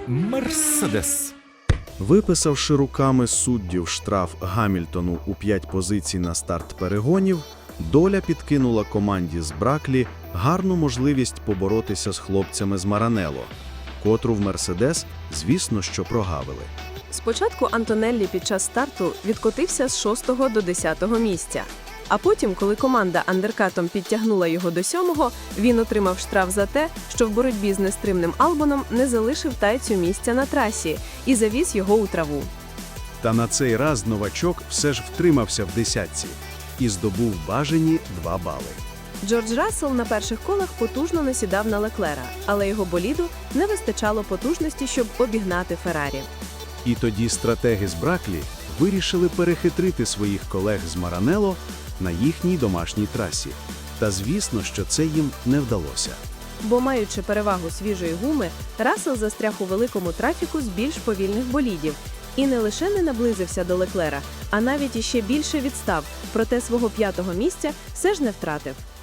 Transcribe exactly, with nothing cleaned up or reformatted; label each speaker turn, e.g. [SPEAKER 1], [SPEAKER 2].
[SPEAKER 1] Мерседес.
[SPEAKER 2] Виписавши руками суддів штраф Гамільтону у п'ять позицій на старт перегонів, доля підкинула команді з Браклі гарну можливість поборотися з хлопцями з Маранелло, котру в Мерседес, звісно, що прогавили.
[SPEAKER 3] Спочатку Антонеллі під час старту відкотився з шостого до десятого місця. А потім, коли команда андеркатом підтягнула його до сьомого, він отримав штраф за те, що в боротьбі з нестримним Албоном не залишив тайцю місця на трасі і завіз його у траву.
[SPEAKER 2] Та на цей раз новачок все ж втримався в десятці і здобув бажані два бали.
[SPEAKER 3] Джордж Рассел на перших колах потужно насідав на Леклера, але його боліду не вистачало потужності, щоб обігнати Феррарі.
[SPEAKER 2] І тоді стратеги з Браклі вирішили перехитрити своїх колег з Маранелло на їхній домашній трасі. Та звісно, що це їм не вдалося.
[SPEAKER 3] Бо, маючи перевагу свіжої гуми, Рассел застряг у великому трафіку з більш повільних болідів. І не лише не наблизився до Леклера, а навіть іще більше відстав, проте свого п'ятого місця все ж не втратив.